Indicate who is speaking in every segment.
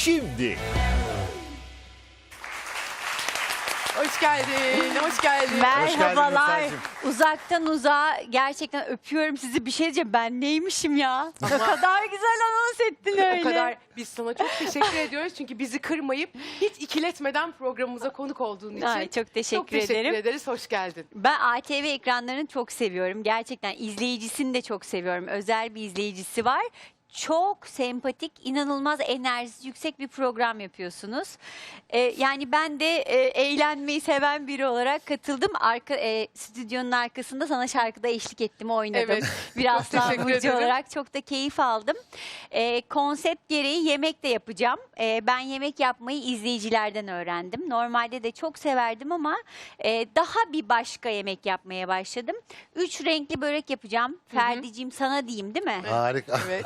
Speaker 1: şimdi.
Speaker 2: Hoş geldin, hoş geldin.
Speaker 3: Merhabalar.
Speaker 1: Nursel'cim.
Speaker 3: Uzaktan uzağa gerçekten öpüyorum sizi. Bir şey diyeceğim. Ben neymişim ya? Ne kadar güzel anons ettin öyle.
Speaker 2: O kadar biz sana çok teşekkür ediyoruz çünkü bizi kırmayıp hiç ikiletmeden programımıza konuk olduğun için.
Speaker 3: Ay, çok teşekkür ederim.
Speaker 2: ederiz, hoş geldin.
Speaker 3: Ben ATV ekranlarını çok seviyorum. Gerçekten izleyicisini de çok seviyorum. Özel bir izleyicisi var. Çok sempatik, inanılmaz enerjisi yüksek bir program yapıyorsunuz. Yani ben de eğlenmeyi seven biri olarak katıldım. Stüdyonun arkasında sana şarkıda eşlik ettim, oynadım.
Speaker 2: Evet,
Speaker 3: Bir
Speaker 2: çok
Speaker 3: aslan
Speaker 2: teşekkür
Speaker 3: burcu
Speaker 2: ederim.
Speaker 3: olarak çok da keyif aldım. Konsept gereği yemek de yapacağım. Ben yemek yapmayı izleyicilerden öğrendim. Normalde de çok severdim ama daha bir başka yemek yapmaya başladım. 3 renkli börek yapacağım. Ferdiciğim sana diyeyim, değil mi?
Speaker 1: Harika.
Speaker 2: Evet.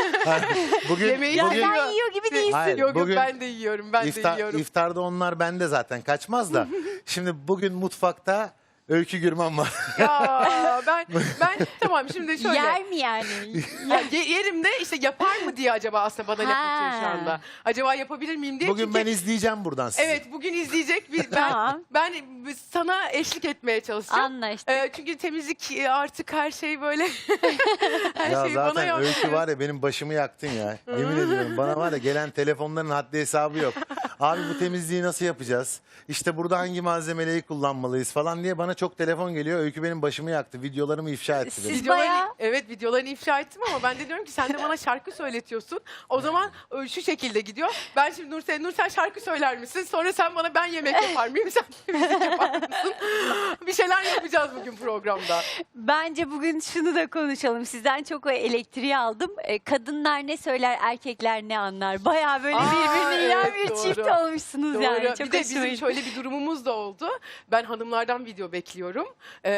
Speaker 1: Bugün,
Speaker 2: Yemeği
Speaker 3: Ya
Speaker 1: bugün
Speaker 3: sen yiyor gibi değilsin.
Speaker 1: Hayır,
Speaker 2: Yok
Speaker 1: bugün
Speaker 2: ben de yiyorum, ben de yiyorum.
Speaker 1: iftarda onlar bende zaten kaçmaz da. Şimdi bugün mutfakta Öykü Gürman var.
Speaker 2: Ya ben tamam şimdi şöyle.
Speaker 3: Yer mi yani?
Speaker 2: Ya, yerim de işte yapar mı diye acaba aslında bana laf atıyor şu
Speaker 3: Ha.
Speaker 2: anda. Acaba yapabilir miyim diye.
Speaker 1: Bugün
Speaker 2: Çünkü-
Speaker 1: ben izleyeceğim buradan sizi.
Speaker 2: Evet bugün izleyecek.
Speaker 3: Tamam.
Speaker 2: Ben sana eşlik etmeye çalışacağım.
Speaker 3: Anlaştık.
Speaker 2: Çünkü temizlik artık her şey böyle. her
Speaker 1: Ya
Speaker 2: şey bana
Speaker 1: zaten
Speaker 2: yok.
Speaker 1: Öykü var ya benim başımı yaktın ya. Yemin ediyorum bana var ya gelen telefonların haddi hesabı yok. Abi bu temizliği nasıl yapacağız? İşte burada hangi malzemeleri kullanmalıyız falan diye bana çok telefon geliyor. Öykü benim başımı yaktı. Videolarımı ifşa etti benim.
Speaker 3: Siz bayağı-
Speaker 2: Evet videolarını ifşa ettim ama ben de diyorum ki sen de bana şarkı söyletiyorsun. O zaman şu şekilde gidiyor. Ben şimdi Nursel şarkı söyler misin? Sonra sen bana ben yemek yapar mıyım? Sen temizlik yapar mısın? Bir şeyler yapacağız bugün programda.
Speaker 3: Bence bugün şunu da konuşalım. Sizden çok o elektriği aldım. Kadınlar ne söyler, erkekler ne anlar. Bayağı böyle
Speaker 2: Aa,
Speaker 3: birbirine
Speaker 2: evet,
Speaker 3: inen bir
Speaker 2: doğru.
Speaker 3: çift olmuşsunuz
Speaker 2: Doğru.
Speaker 3: yani. Çok
Speaker 2: bir de
Speaker 3: hoşuma
Speaker 2: bizim
Speaker 3: gitti.
Speaker 2: şöyle bir durumumuz da oldu. Ben hanımlardan video bekliyorum.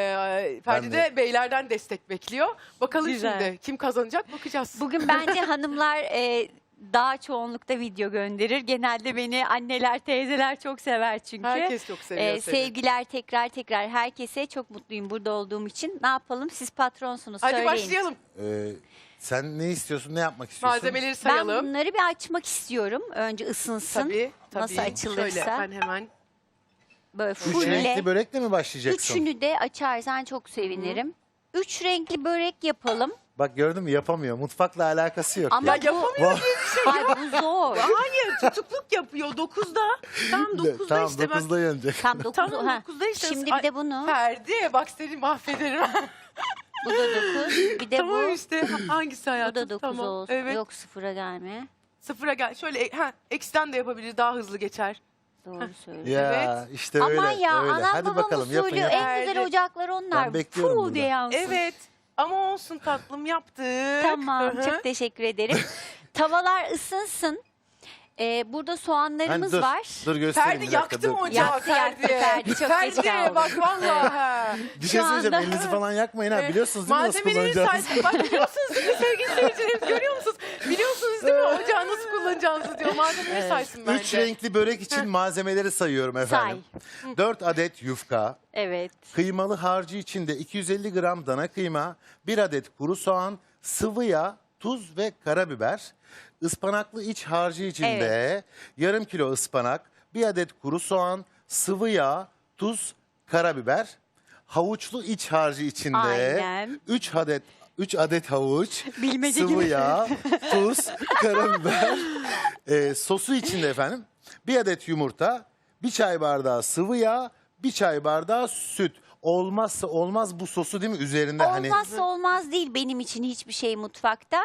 Speaker 2: Ferdi
Speaker 1: de.
Speaker 2: de beylerden destek bekliyor. Bakalım
Speaker 3: Güzel.
Speaker 2: şimdi kim kazanacak bakacağız.
Speaker 3: Bugün bence hanımlar daha çoğunlukta video gönderir. Genelde beni anneler, teyzeler çok sever çünkü.
Speaker 2: Herkes çok seviyor seni.
Speaker 3: Sevgiler tekrar herkese. Çok mutluyum burada olduğum için. Ne yapalım? Siz patronsunuz.
Speaker 2: Hadi
Speaker 3: Söyleyin.
Speaker 2: başlayalım.
Speaker 1: Sen ne istiyorsun? Ne yapmak istiyorsun?
Speaker 2: Malzemeleri
Speaker 3: Ben
Speaker 2: sayalım.
Speaker 3: bunları bir açmak istiyorum. Önce ısınsın.
Speaker 2: Tabii.
Speaker 3: Nasıl açılırsa.
Speaker 2: Şöyle ben hemen.
Speaker 3: Böyle
Speaker 1: Üç
Speaker 3: fulle.
Speaker 1: renkli börekle mi başlayacaksın?
Speaker 3: Üçünü de açarsan çok sevinirim. 3 renkli börek yapalım.
Speaker 1: Bak gördün mü yapamıyor. Mutfakla alakası yok.
Speaker 3: Ama
Speaker 2: Ya
Speaker 3: bu,
Speaker 2: yapamıyor.
Speaker 3: Ay, bu zor.
Speaker 2: Hayır tutukluk yapıyor 9'da. Tam 9'da
Speaker 1: Tamam
Speaker 2: işte bak.
Speaker 1: 9'da yenecek.
Speaker 3: Tam 9.
Speaker 2: Tamam 9'da işte.
Speaker 3: Şimdi bir de bunu.
Speaker 2: Ferdi bak seni mahvederim.
Speaker 3: Bu da 9. Bir de
Speaker 2: tamam
Speaker 3: bu.
Speaker 2: işte hangisi
Speaker 3: Bu
Speaker 2: hayatım?
Speaker 3: da 9
Speaker 2: tamam.
Speaker 3: olsun.
Speaker 2: Evet.
Speaker 3: Yok sıfıra gelme.
Speaker 2: Sıfıra gel. Şöyle eksiden de yapabiliriz daha hızlı geçer.
Speaker 3: Doğru söylüyorsun.
Speaker 1: Ya işte öyle.
Speaker 3: Aman ya
Speaker 1: öyle.
Speaker 3: anam
Speaker 1: Hadi
Speaker 3: babam
Speaker 1: bakalım yapın
Speaker 3: usulü
Speaker 1: yapın.
Speaker 3: en güzel ocaklar onlar.
Speaker 1: Ben bekliyorum
Speaker 3: Fuh
Speaker 1: burada.
Speaker 3: diye yansın.
Speaker 2: Evet. Ama olsun tatlım yaptık.
Speaker 3: Tamam
Speaker 2: Hı hı.
Speaker 3: çok teşekkür ederim. Tavalar ısınsın. Burada soğanlarımız
Speaker 1: dur,
Speaker 3: var.
Speaker 1: Dur göstereyim
Speaker 2: Ferdi
Speaker 1: bir dakika.
Speaker 2: yaktı mı
Speaker 1: dur.
Speaker 2: ocağı
Speaker 3: Yaktı, Ferdi, çok geç
Speaker 2: Ferdi
Speaker 3: kaldı.
Speaker 2: bak vallahi.
Speaker 1: Bir şey
Speaker 3: Şu
Speaker 1: söyleyeceğim.
Speaker 3: anda-
Speaker 1: Elinizi falan yakmayın ha. Biliyorsunuz değil mi nasıl
Speaker 2: Malzemeleri
Speaker 1: kullanacağınızı?
Speaker 2: Bak biliyorsunuz değil mi sevgili seyircilerimiz görüyor musunuz? Biliyorsunuz değil mi ocağı nasıl kullanacağınızı diyor. Malzemeleri saysın bence.
Speaker 1: 3 renkli börek için malzemeleri sayıyorum efendim. 4 adet yufka,
Speaker 3: Evet.
Speaker 1: kıymalı harcı içinde 250 gram dana kıyma, 1 adet kuru soğan, sıvı yağ, tuz ve karabiber. Ispanaklı iç harcı içinde yarım kilo ıspanak, 1 adet kuru soğan, sıvı yağ, tuz, karabiber. Havuçlu iç harcı içinde
Speaker 3: Aynen.
Speaker 1: 3 adet havuç,
Speaker 3: Bilmece
Speaker 1: sıvı
Speaker 3: gibi.
Speaker 1: yağ, tuz, karabiber. Sosu içinde efendim 1 adet yumurta, 1 çay bardağı sıvı yağ, 1 çay bardağı süt. Olmazsa olmaz bu sosu değil mi üzerinde hani
Speaker 3: Olmazsa olmaz değil benim için hiçbir şey mutfakta.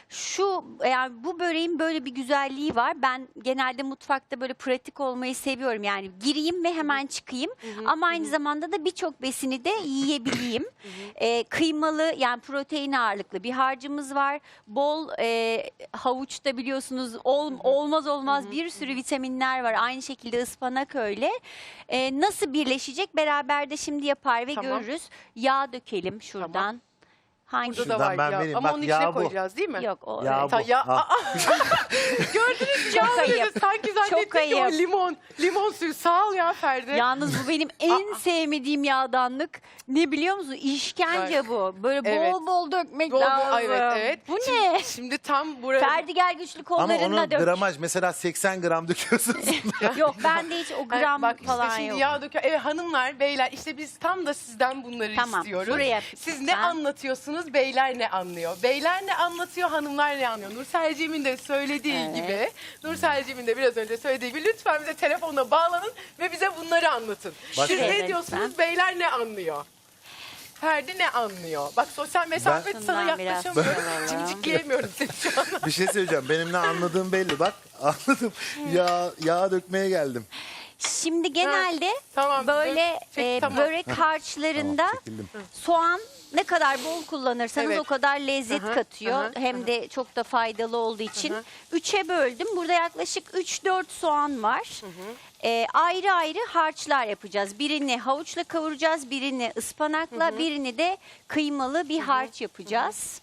Speaker 3: Yani bu böreğin böyle bir güzelliği var. Ben genelde mutfakta böyle pratik olmayı seviyorum. Yani gireyim ve hemen çıkayım. Ama aynı zamanda da birçok besini de yiyebileyim. Kıymalı yani protein ağırlıklı bir harcımız var. Bol havuçta biliyorsunuz olmaz bir sürü vitaminler var. Aynı şekilde ıspanak öyle. Nasıl birleşecek beraber de şimdi yapar ve
Speaker 2: Tamam.
Speaker 3: görürüz. Yağ dökelim şuradan.
Speaker 2: Tamam.
Speaker 3: Hangi?
Speaker 2: Burada da
Speaker 1: Şuradan
Speaker 2: var
Speaker 1: ben
Speaker 2: ya.
Speaker 1: vereyim.
Speaker 2: Ama
Speaker 1: Bak,
Speaker 2: onun
Speaker 1: yağ
Speaker 2: içine
Speaker 1: bu.
Speaker 2: koyacağız değil mi?
Speaker 3: Yok o
Speaker 1: Ya
Speaker 3: evet.
Speaker 1: bu.
Speaker 2: Ya,
Speaker 1: Ha.
Speaker 2: Gördünüz mü?
Speaker 3: Çok ayıp.
Speaker 2: Sanki
Speaker 3: Çok
Speaker 2: ki o
Speaker 3: ayıp.
Speaker 2: limon suyu. Sağ ol ya Ferdi.
Speaker 3: Yalnız bu benim en sevmediğim yağdanlık. Ne biliyor musun? İşkence bu. Böyle
Speaker 2: Evet.
Speaker 3: bol bol dökmek
Speaker 2: Bol bol,
Speaker 3: lazım.
Speaker 2: evet.
Speaker 3: Bu
Speaker 2: Şimdi-
Speaker 3: ne?
Speaker 2: Şimdi tam buraya...
Speaker 3: Ferdi gel güçlü
Speaker 1: Ama
Speaker 3: kollarınla
Speaker 1: onun
Speaker 3: dök.
Speaker 1: gramaj mesela 80 gram döküyorsun.
Speaker 3: Yok bende hiç o gram
Speaker 2: Bak işte
Speaker 3: falan
Speaker 2: şimdi
Speaker 3: yok.
Speaker 2: yağ döküyor. Evet hanımlar, beyler işte biz tam da sizden bunları
Speaker 3: Tamam,
Speaker 2: istiyoruz.
Speaker 3: buraya
Speaker 2: Siz ne
Speaker 3: lütfen.
Speaker 2: anlatıyorsunuz, beyler ne anlıyor? Beyler ne anlatıyor, hanımlar ne anlıyor? Nurselciğimin de söylediği
Speaker 3: Evet.
Speaker 2: gibi, Nurselciğimin de biraz önce söylediği gibi lütfen bize telefonla bağlanın ve bize bunları anlatın.
Speaker 1: Bak-
Speaker 2: Siz
Speaker 3: Şuraya
Speaker 2: ne diyorsunuz,
Speaker 3: lütfen.
Speaker 2: beyler ne anlıyor? Ferdi ne anlıyor? Bak sosyal mesafe
Speaker 3: Ben-
Speaker 2: sana
Speaker 3: Şundan biraz
Speaker 2: yaklaşamıyorum.
Speaker 3: alalım.
Speaker 2: Cimcikleyemiyorum seni şu an.
Speaker 1: Bir şey söyleyeceğim. Benim ne anladığım belli. Bak anladım. Yağ dökmeye geldim.
Speaker 3: Şimdi genelde
Speaker 2: Tamam,
Speaker 3: böyle
Speaker 2: çek, tamam.
Speaker 3: börek harçlarında
Speaker 1: Tamam, çekildim.
Speaker 3: soğan ne kadar bol kullanırsanız
Speaker 2: Evet.
Speaker 3: o kadar lezzet
Speaker 2: Hı hı,
Speaker 3: katıyor.
Speaker 2: hı hı,
Speaker 3: Hem de çok da faydalı olduğu için. 3'e böldüm. Burada yaklaşık 3-4 soğan var. Ayrı ayrı harçlar yapacağız. Birini havuçla kavuracağız, birini ıspanakla, birini de kıymalı bir harç yapacağız.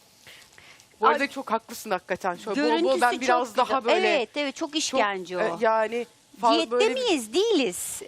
Speaker 2: Bu arada çok haklısın hakikaten. Şöyle bol bol
Speaker 3: Görüntüsü
Speaker 2: ben
Speaker 3: çok
Speaker 2: biraz
Speaker 3: güzel.
Speaker 2: daha böyle...
Speaker 3: Evet, evet çok
Speaker 2: çok,
Speaker 3: işkence o.
Speaker 2: yani
Speaker 3: Diyette
Speaker 2: böyle
Speaker 3: miyiz? Değiliz.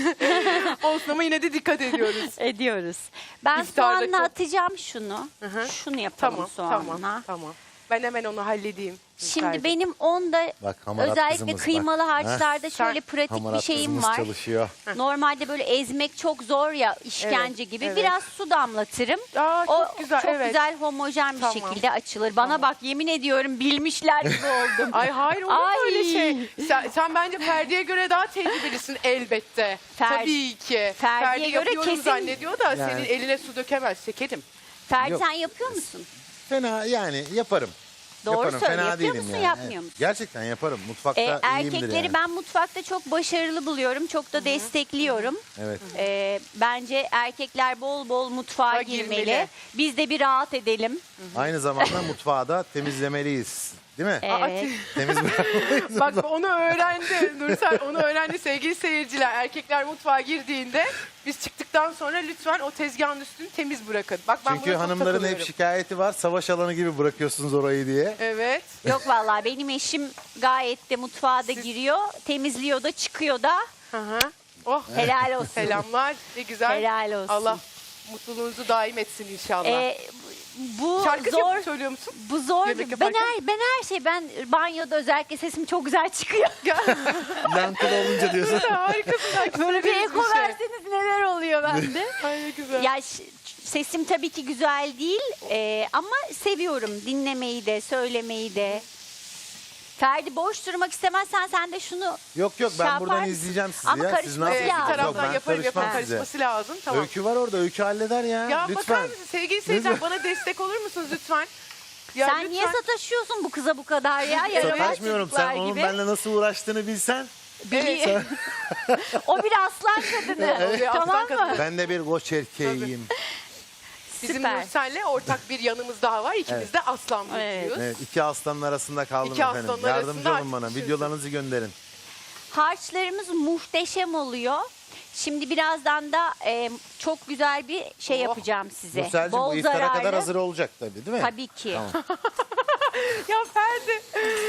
Speaker 2: olsun ama yine de dikkat ediyoruz.
Speaker 3: Ediyoruz. Ben
Speaker 2: İftarda
Speaker 3: soğanla
Speaker 2: çok-
Speaker 3: atacağım şunu.
Speaker 2: hı.
Speaker 3: Şunu yapalım
Speaker 2: Tamam,
Speaker 3: soğanla.
Speaker 2: tamam. Ben hemen onu halledeyim.
Speaker 3: Şimdi
Speaker 2: Ferdi.
Speaker 3: benim onda
Speaker 1: Bak, hamarat
Speaker 3: özellikle
Speaker 1: kızımız bak.
Speaker 3: kıymalı harçlarda
Speaker 2: Sen-
Speaker 3: şöyle pratik bir
Speaker 1: Hamarat
Speaker 3: şeyim
Speaker 1: kızımız
Speaker 3: var.
Speaker 1: çalışıyor.
Speaker 3: Normalde böyle ezmek çok zor ya işkence
Speaker 2: Evet,
Speaker 3: gibi.
Speaker 2: evet.
Speaker 3: Biraz su damlatırım.
Speaker 2: Aa,
Speaker 3: O
Speaker 2: çok güzel,
Speaker 3: çok
Speaker 2: evet.
Speaker 3: güzel homojen bir
Speaker 2: Tamam.
Speaker 3: şekilde açılır. Bana bak yemin ediyorum bilmişler gibi oldum.
Speaker 2: Ay hayır olur mu
Speaker 3: Ay.
Speaker 2: öyle şey? Sen bence Ferdi'ye göre daha tecrübelisin elbette.
Speaker 3: Ferdi-
Speaker 2: Tabii ki.
Speaker 3: Ferdi'ye
Speaker 2: Ferdi
Speaker 3: göre
Speaker 2: yapıyorum
Speaker 3: kesin-
Speaker 2: zannediyor da
Speaker 1: Yani-
Speaker 2: senin eline su dökemez şekerim.
Speaker 3: Ferdi
Speaker 1: Yok.
Speaker 3: sen yapıyor musun?
Speaker 1: Fena yani yaparım.
Speaker 3: Doğru
Speaker 1: yaparım.
Speaker 3: söyle.
Speaker 1: Fena
Speaker 3: Yapıyor
Speaker 1: değilim
Speaker 3: musun,
Speaker 1: yani.
Speaker 3: yapmıyor
Speaker 1: Evet.
Speaker 3: musun?
Speaker 1: Gerçekten yaparım. Mutfakta iyiyimdir
Speaker 3: Erkekleri
Speaker 1: yani.
Speaker 3: ben mutfakta çok başarılı buluyorum. Çok da destekliyorum.
Speaker 1: Evet.
Speaker 3: Bence erkekler bol bol mutfağa
Speaker 2: Ha,
Speaker 3: girmeli.
Speaker 2: girmeli.
Speaker 3: Biz de bir rahat edelim.
Speaker 1: Aynı zamanda mutfağı da temizlemeliyiz. Değil mi?
Speaker 3: Evet.
Speaker 1: Temiz bırakmalıyız.
Speaker 2: Bak onu öğrendi Nursel, onu öğrendi sevgili seyirciler. Erkekler mutfağa girdiğinde biz çıktıktan sonra lütfen o tezgahın üstünü temiz bırakın. Bak ben
Speaker 1: Çünkü
Speaker 2: buna çok
Speaker 1: hanımların hep
Speaker 2: takılıyorum.
Speaker 1: şikayeti var. Savaş alanı gibi bırakıyorsunuz orayı diye.
Speaker 2: Evet.
Speaker 3: Yok vallahi benim eşim gayet de mutfağa da giriyor. Temizliyor da çıkıyor da.
Speaker 2: Hı hı. Oh.
Speaker 3: Helal olsun.
Speaker 2: Selamlar. Ne güzel.
Speaker 3: Helal olsun.
Speaker 2: Allah mutluluğunuzu daim etsin inşallah.
Speaker 3: Bu
Speaker 2: Şarkı
Speaker 3: zor.
Speaker 2: söylüyor musun?
Speaker 3: Bu zor.
Speaker 2: Yemek
Speaker 3: Ben
Speaker 2: yaparken?
Speaker 3: her şey banyoda özellikle sesim çok güzel çıkıyor.
Speaker 1: Yankılı olunca diyorsun.
Speaker 2: Harikasın.
Speaker 3: Böyle bir eko
Speaker 2: şey.
Speaker 3: verseniz neler oluyor bende.
Speaker 2: Ay ne güzel.
Speaker 3: Ya sesim tabii ki güzel değil ama seviyorum dinlemeyi de söylemeyi de. Ferdi boş durmak istemezsen sen de şunu
Speaker 1: Yok ben
Speaker 3: yapar
Speaker 1: buradan
Speaker 3: mısın?
Speaker 1: izleyeceğim sizi
Speaker 3: Ama
Speaker 1: ya. Siz ne
Speaker 3: karışması
Speaker 2: Evet, bir
Speaker 1: yapıyorsunuz?
Speaker 3: lazım.
Speaker 1: Yok,
Speaker 2: taraftan
Speaker 1: ben
Speaker 2: yaparım
Speaker 1: karışmam size.
Speaker 2: karışması lazım. Tamam.
Speaker 1: Öykü var orada. Öykü halleder ya.
Speaker 2: Ya bakar
Speaker 1: lütfen.
Speaker 2: mısın sevgili seyirciler
Speaker 1: Lütfen.
Speaker 2: bana destek olur musunuz lütfen? Ya
Speaker 3: sen
Speaker 2: lütfen.
Speaker 3: niye sataşıyorsun bu kıza bu kadar ya? Yaramaz
Speaker 1: Sataşmıyorum.
Speaker 3: çocuklar
Speaker 1: Sen onun
Speaker 3: gibi.
Speaker 1: benimle nasıl uğraştığını bilsen.
Speaker 3: Bili- O bir aslan kadını.
Speaker 2: Evet. Bir aslan
Speaker 3: Tamam mı?
Speaker 2: kadını.
Speaker 1: Ben de bir koç erkeğiyim.
Speaker 2: Bizim
Speaker 3: Süper.
Speaker 2: Nursel'le ortak bir yanımız daha var. İkimiz de aslan
Speaker 3: Evet.
Speaker 2: burcuyuz.
Speaker 1: Evet, iki aslanın arasında kaldım
Speaker 2: İki
Speaker 1: efendim.
Speaker 2: aslanın
Speaker 1: Yardımcı
Speaker 2: arasında
Speaker 1: olun bana.
Speaker 2: açışıyorsun.
Speaker 1: Videolarınızı gönderin.
Speaker 3: Harçlarımız muhteşem oluyor. Şimdi birazdan da çok güzel bir şey
Speaker 2: Oh.
Speaker 3: yapacağım size.
Speaker 1: Nursel'cim bu iftara kadar hazır olacak tabii değil mi?
Speaker 3: Tabii ki.
Speaker 1: Tamam.
Speaker 2: Ya Ferdi.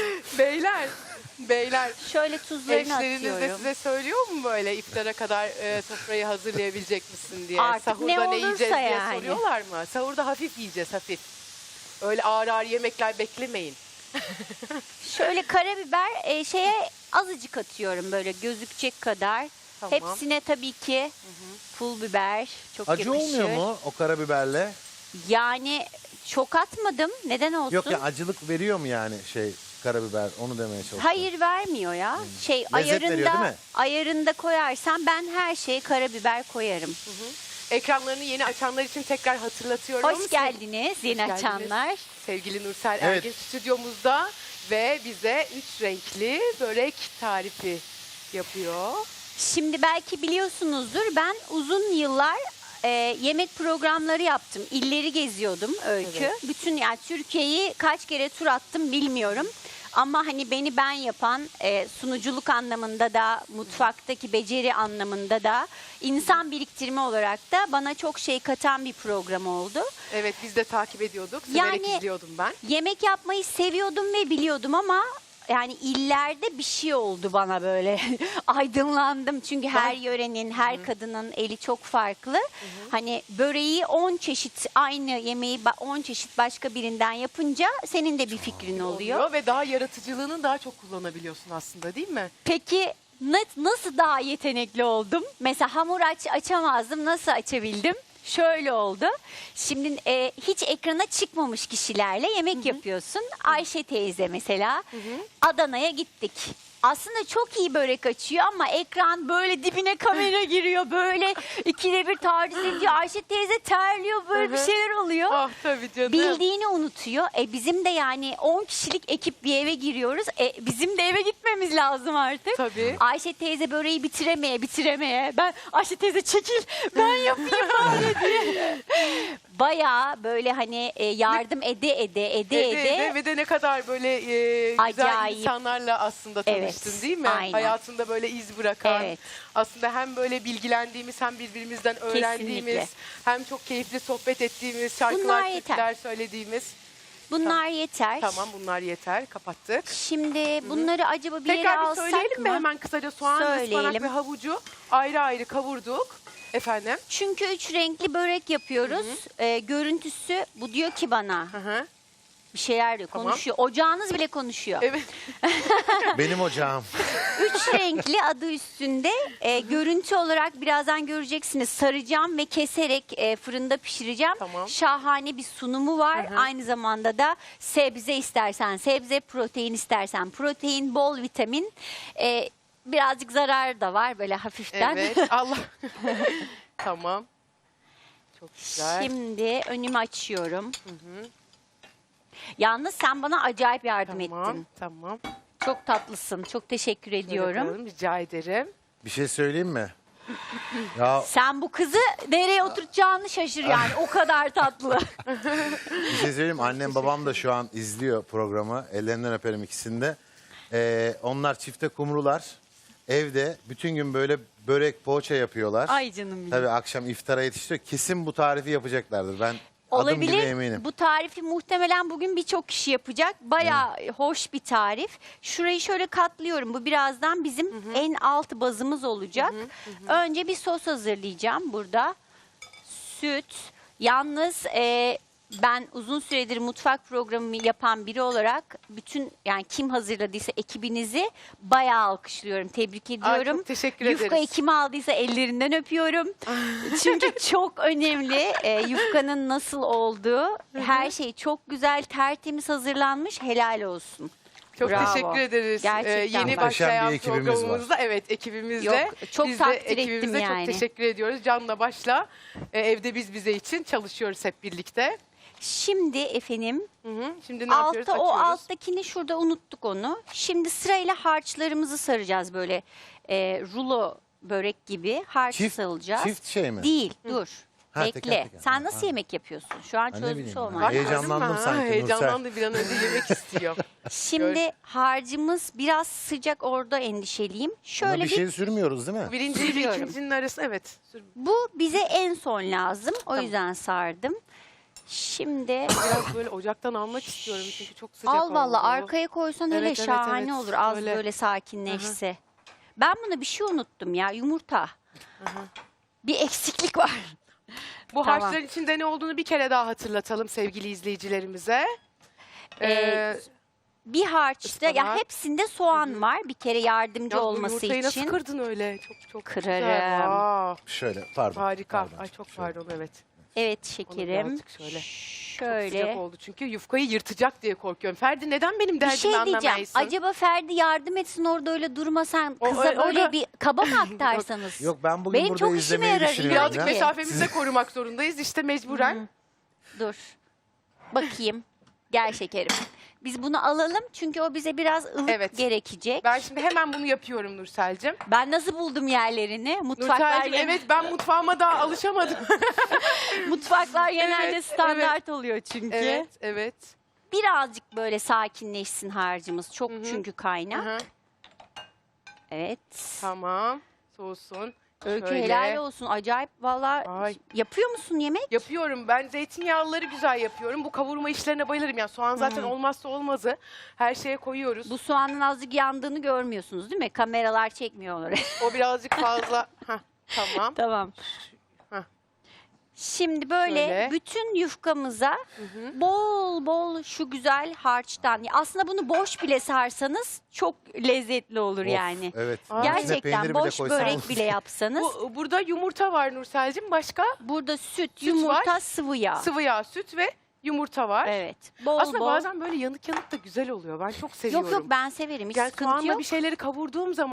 Speaker 2: Beyler.
Speaker 3: Şöyle tuzlarını
Speaker 2: Eşleriniz de
Speaker 3: atıyorum.
Speaker 2: size söylüyor mu böyle iftara kadar sofrayı hazırlayabilecek misin diye?
Speaker 3: Artık
Speaker 2: Sahurda
Speaker 3: ne
Speaker 2: ne
Speaker 3: olursa
Speaker 2: yiyeceğiz diye
Speaker 3: yani.
Speaker 2: soruyorlar mı? Sahurda hafif yiyeceğiz hafif. Öyle ağır ağır yemekler beklemeyin.
Speaker 3: Şöyle karabiber şeye azıcık atıyorum böyle gözükecek kadar.
Speaker 2: Tamam.
Speaker 3: Hepsine tabii ki pul biber çok
Speaker 1: Acı
Speaker 3: yakışır.
Speaker 1: olmuyor mu o karabiberle?
Speaker 3: Yani çok atmadım. Neden olsun?
Speaker 1: Yok ya acılık veriyor mu yani karabiber onu demeye çalışıyorum.
Speaker 3: Hayır vermiyor ya. Şey
Speaker 1: veriyor, değil mi?
Speaker 3: ayarında koyarsan ben her şeye karabiber koyarım.
Speaker 2: Ekranlarını yeni açanlar için tekrar hatırlatıyorum.
Speaker 3: Hoş geldiniz yeni
Speaker 2: geldiniz.
Speaker 3: açanlar.
Speaker 2: Sevgili Nursel
Speaker 1: Evet.
Speaker 2: Ergin stüdyomuzda ve bize 3 renkli börek tarifi yapıyor.
Speaker 3: Şimdi belki biliyorsunuzdur ben uzun yıllar yemek programları yaptım. İlleri geziyordum Öykü.
Speaker 2: Evet.
Speaker 3: Bütün yani Türkiye'yi kaç kere tur attım bilmiyorum. Ama hani beni ben yapan sunuculuk anlamında da mutfaktaki beceri anlamında da insan biriktirme olarak da bana çok şey katan bir program oldu.
Speaker 2: Evet biz de takip ediyorduk. Severek
Speaker 3: Yani-
Speaker 2: izliyordum ben.
Speaker 3: Yemek yapmayı seviyordum ve biliyordum ama yani illerde bir şey oldu bana böyle. Aydınlandım çünkü her yörenin, her kadının eli çok farklı. Hani böreği 10 çeşit aynı yemeği 10 çeşit başka birinden yapınca senin de bir fikrin oluyor.
Speaker 2: Ve daha yaratıcılığını daha çok kullanabiliyorsun aslında, değil mi?
Speaker 3: Peki nasıl daha yetenekli oldum? Mesela hamur açamazdım. Nasıl açabildim? Şöyle oldu. Şimdi hiç ekrana çıkmamış kişilerle yemek yapıyorsun. Ayşe teyze mesela. Adana'ya gittik. Aslında çok iyi börek açıyor ama ekran böyle dibine kamera giriyor. Böyle ikide bir taciz ediyor. Ayşe teyze terliyor, böyle bir şeyler oluyor.
Speaker 2: Ah tabii canım.
Speaker 3: Bildiğini unutuyor. Bizim de yani 10 kişilik ekip bir eve giriyoruz. Bizim de eve gitmemiz lazım artık.
Speaker 2: Tabii.
Speaker 3: Ayşe teyze böreği bitiremeye. Ben Ayşe teyze çekil ben yapayım bari diye. Bayağı böyle hani yardım ede
Speaker 2: Ve de ne kadar böyle güzel
Speaker 3: Acayip.
Speaker 2: insanlarla aslında tanıştın,
Speaker 3: Evet,
Speaker 2: değil mi?
Speaker 3: aynen.
Speaker 2: Hayatında böyle iz bırakan.
Speaker 3: Evet.
Speaker 2: Aslında hem böyle bilgilendiğimiz hem birbirimizden öğrendiğimiz
Speaker 3: Kesinlikle.
Speaker 2: hem çok keyifli sohbet ettiğimiz, şarkılar,
Speaker 3: Bunlar yeter.
Speaker 2: türküler söylediğimiz.
Speaker 3: bunlar yeter.
Speaker 2: Tamam, bunlar yeter. Kapattık.
Speaker 3: Şimdi bunları acaba bir yere
Speaker 2: Tekrar bir
Speaker 3: alsak
Speaker 2: söyleyelim mi
Speaker 3: mı?
Speaker 2: hemen kısaca? Soğan, ıspanak
Speaker 3: Söyleyelim.
Speaker 2: ve havucu ayrı ayrı kavurduk. Efendim?
Speaker 3: Çünkü 3 renkli börek yapıyoruz. Görüntüsü bu diyor ki bana
Speaker 2: Hı hı.
Speaker 3: bir şeyler diyor,
Speaker 2: Tamam.
Speaker 3: konuşuyor. Ocağınız bile konuşuyor.
Speaker 2: Evet.
Speaker 1: Benim ocağım.
Speaker 3: 3 renkli adı üstünde. Görüntü olarak birazdan göreceksiniz. Saracağım ve keserek fırında pişireceğim.
Speaker 2: Tamam.
Speaker 3: Şahane bir sunumu var.
Speaker 2: Hı hı.
Speaker 3: Aynı zamanda da sebze istersen sebze, protein istersen protein, bol vitamin. Birazcık zarar da var böyle hafiften.
Speaker 2: Evet. Allah. Tamam. Çok güzel.
Speaker 3: Şimdi önümü açıyorum. Yalnız sen bana acayip yardım
Speaker 2: Tamam.
Speaker 3: ettin.
Speaker 2: Tamam.
Speaker 3: Çok tatlısın. Çok teşekkür ediyorum.
Speaker 2: Şöyle koyalım, rica ederim.
Speaker 1: Bir şey söyleyeyim mi? Ya
Speaker 3: Sen bu kızı nereye oturtacağını şaşır yani. O kadar tatlı.
Speaker 1: bir şey söyleyeyim mi? Annem babam da şu an izliyor programı. Ellerinden öperim ikisini de. Onlar çifte kumrular. Evde bütün gün böyle börek, poğaça yapıyorlar.
Speaker 3: Ay canım benim.
Speaker 1: Tabii akşam iftara yetiştiriyor. Kesin bu tarifi yapacaklardır. Ben adım gibi
Speaker 3: Olabilir.
Speaker 1: eminim.
Speaker 3: Bu tarifi muhtemelen bugün birçok kişi yapacak. Bayağı hoş bir tarif. Şurayı şöyle katlıyorum. Bu birazdan bizim en alt bazımız olacak. Önce bir sos hazırlayacağım burada. Süt. Yalnız ben uzun süredir mutfak programı yapan biri olarak bütün yani kim hazırladıysa ekibinizi bayağı alkışlıyorum. Tebrik ediyorum.
Speaker 2: çok teşekkür
Speaker 3: Yufkayı
Speaker 2: ederiz.
Speaker 3: kim aldıysa ellerinden öpüyorum. Çünkü çok önemli yufkanın nasıl olduğu. Her şey çok güzel, tertemiz hazırlanmış. Helal olsun.
Speaker 2: Çok
Speaker 3: Bravo.
Speaker 2: teşekkür ederiz.
Speaker 3: Gerçekten.
Speaker 2: Yeni
Speaker 1: Muhteşem
Speaker 2: başlayan
Speaker 1: bir ekibimiz var.
Speaker 2: programımızda evet ekibimizde.
Speaker 3: Yok, çok
Speaker 2: biz de
Speaker 3: takdir ettim
Speaker 2: ekibimize
Speaker 3: yani.
Speaker 2: çok teşekkür ediyoruz. Canla başla evde biz bize için çalışıyoruz hep birlikte.
Speaker 3: Şimdi efendim
Speaker 2: Hı hı. Şimdi ne yapıyoruz?
Speaker 3: altta o
Speaker 2: Açıyoruz.
Speaker 3: alttakini şurada unuttuk onu. Şimdi sırayla harçlarımızı saracağız böyle rulo börek gibi harç sarılacağız.
Speaker 1: Çift şey mi?
Speaker 3: Değil dur.
Speaker 1: Ha,
Speaker 3: Bekle.
Speaker 1: teker teker.
Speaker 3: Sen
Speaker 1: Ha,
Speaker 3: nasıl
Speaker 1: ha.
Speaker 3: yemek yapıyorsun? Şu an
Speaker 1: Ha, ne
Speaker 3: çözmüş
Speaker 1: bileyim
Speaker 3: olman.
Speaker 1: ben.
Speaker 2: Bak,
Speaker 1: Heyecanlandım
Speaker 2: gördün mü?
Speaker 1: sanki Nursel.
Speaker 2: Heyecanlandı, bir an önce yemek istiyor.
Speaker 3: Şimdi harcımız biraz sıcak, orada endişeliyim.
Speaker 1: Buna
Speaker 3: Şöyle
Speaker 1: bir
Speaker 3: bir
Speaker 1: şey sürmüyoruz değil mi?
Speaker 2: Birinci ile
Speaker 3: Sürüyorum.
Speaker 2: ikincinin arası evet.
Speaker 3: bu bize en son lazım. O
Speaker 2: Tamam.
Speaker 3: yüzden sardım. Şimdi
Speaker 2: Biraz böyle ocaktan almak istiyorum çünkü çok sıcak
Speaker 3: al valla
Speaker 2: oldu.
Speaker 3: arkaya koysan hele
Speaker 2: Evet, evet,
Speaker 3: şahane
Speaker 2: evet.
Speaker 3: olur. Az
Speaker 2: Öyle.
Speaker 3: böyle sakinleşse. Ben buna bir şey unuttum ya, yumurta. Bir eksiklik var.
Speaker 2: Bu
Speaker 3: Tamam.
Speaker 2: harçların içinde ne olduğunu bir kere daha hatırlatalım sevgili izleyicilerimize.
Speaker 3: Bir harçta ya
Speaker 2: Ispanak.
Speaker 3: hepsinde soğan var. Bir kere yardımcı
Speaker 2: Ya bu
Speaker 3: olması
Speaker 2: yumurtayı nasıl
Speaker 3: için.
Speaker 2: kırdın öyle? Çok
Speaker 3: Kırarım.
Speaker 2: güzel. Aa,
Speaker 1: Şöyle pardon.
Speaker 2: harika.
Speaker 1: Pardon.
Speaker 2: Ay çok
Speaker 1: Şöyle.
Speaker 2: pardon evet.
Speaker 3: Evet
Speaker 2: Onu
Speaker 3: şekerim.
Speaker 2: birazcık şöyle.
Speaker 3: Şöyle.
Speaker 2: Sıcak oldu çünkü yufkayı yırtacak diye korkuyorum. Ferdi neden benim
Speaker 3: Bir
Speaker 2: derdimi
Speaker 3: şey diyeceğim.
Speaker 2: anlamayasın?
Speaker 3: Acaba Ferdi yardım etsin orada öyle durmasan
Speaker 2: O-
Speaker 3: kıza
Speaker 2: o-
Speaker 3: böyle
Speaker 2: orada-
Speaker 3: bir kaba mı aktarsanız?
Speaker 1: Yok ben bugün
Speaker 3: Benim
Speaker 1: burada
Speaker 3: çok işime
Speaker 1: izlemeyi
Speaker 3: yarar,
Speaker 1: düşünüyorum.
Speaker 2: Birazcık
Speaker 1: ya.
Speaker 3: Peki.
Speaker 2: mesafemizi de korumak zorundayız işte mecburen.
Speaker 3: Dur. Bakayım. Gel şekerim. Biz bunu alalım çünkü o bize biraz ılık
Speaker 2: Evet.
Speaker 3: gerekecek.
Speaker 2: Ben şimdi hemen bunu yapıyorum Nursel'cim.
Speaker 3: Ben nasıl buldum yerlerini? Mutfaklar,
Speaker 2: Nursel'cim evet ben mutfağıma daha alışamadım.
Speaker 3: mutfaklar genelde
Speaker 2: Evet,
Speaker 3: standart oluyor çünkü.
Speaker 2: evet evet.
Speaker 3: Birazcık böyle sakinleşsin harcımız. Çok çünkü kaynak.
Speaker 2: Hı hı.
Speaker 3: Evet.
Speaker 2: Tamam soğusun.
Speaker 3: Öykü
Speaker 2: Şöyle.
Speaker 3: helal olsun. Acayip valla.
Speaker 2: Ay.
Speaker 3: Yapıyor musun yemek?
Speaker 2: Yapıyorum. Ben zeytinyağlıları güzel yapıyorum. Bu kavurma işlerine bayılırım. Yani soğan zaten olmazsa olmazı. Her şeye koyuyoruz.
Speaker 3: Bu soğanın azıcık yandığını görmüyorsunuz değil mi? Kameralar çekmiyor onları.
Speaker 2: O birazcık fazla. Heh, tamam.
Speaker 3: Tamam.
Speaker 2: Heh.
Speaker 3: Şimdi böyle
Speaker 2: Şöyle.
Speaker 3: bütün yufkamıza bol bol şu güzel harçtan. Aslında bunu boş bile sarsanız çok lezzetli olur
Speaker 1: Of,
Speaker 3: yani.
Speaker 1: Evet.
Speaker 2: Aa.
Speaker 1: İçine
Speaker 3: Gerçekten
Speaker 1: peynir bile
Speaker 3: boş
Speaker 1: koysan
Speaker 3: börek
Speaker 1: olur.
Speaker 3: bile yapsanız.
Speaker 2: Burada yumurta var Nursel'cim. Başka?
Speaker 3: Burada süt,
Speaker 2: Süt
Speaker 3: yumurta,
Speaker 2: var.
Speaker 3: sıvı yağ.
Speaker 2: Sıvı yağ, süt ve yumurta var.
Speaker 3: Evet. Bol
Speaker 2: Aslında
Speaker 3: bol.
Speaker 2: bazen böyle yanık yanık da güzel oluyor. Ben çok seviyorum.
Speaker 3: Yok yok ben severim. Hiç
Speaker 2: Yani
Speaker 3: sıkıntı
Speaker 2: soğanla
Speaker 3: yok.
Speaker 2: bir şeyleri kavurduğum zaman